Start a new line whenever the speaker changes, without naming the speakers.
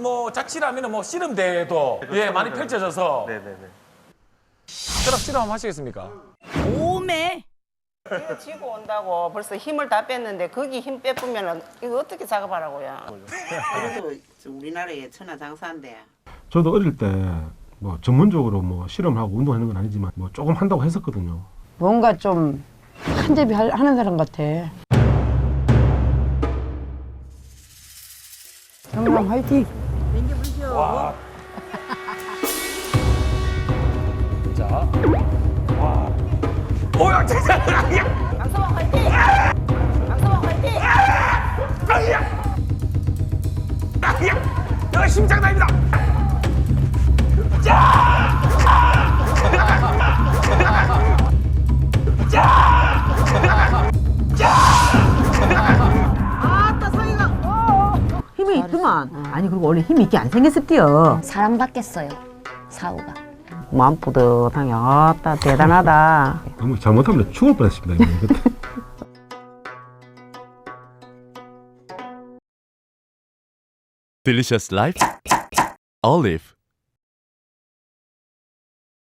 뭐 자취라면 뭐 씨름대회도 예 많이 펼쳐져서
네네네.
그럼 씨름 한번 하시겠습니까?
오메.
이거 지고 온다고 벌써 힘을 다 뺐는데 거기 힘 빼쁘면 이거 어떻게 작업하라고요? 그래도 우리나라의 천하장사인데.
저도 어릴 때 뭐 전문적으로 뭐 실험하고 운동하는 건 아니지만 뭐 조금 한다고 했었거든요.
뭔가 좀 한잡이 하는 사람 같아. 정남 화이팅!
와. 자. 와. 오야 진짜.
강서방 화이팅! 강서방 화이팅!
아야. 아야. 여기 심장난입니다.
힘이 있더만. 아니 그리고 원래 힘이 있게 안 생겼었디요.
사람 받겠어요. 사우가.
마음 뿌듯하게 아따 대단하다.
너무 잘못하면 죽을 뻔했습니다. 이거.
Delicious Life Olive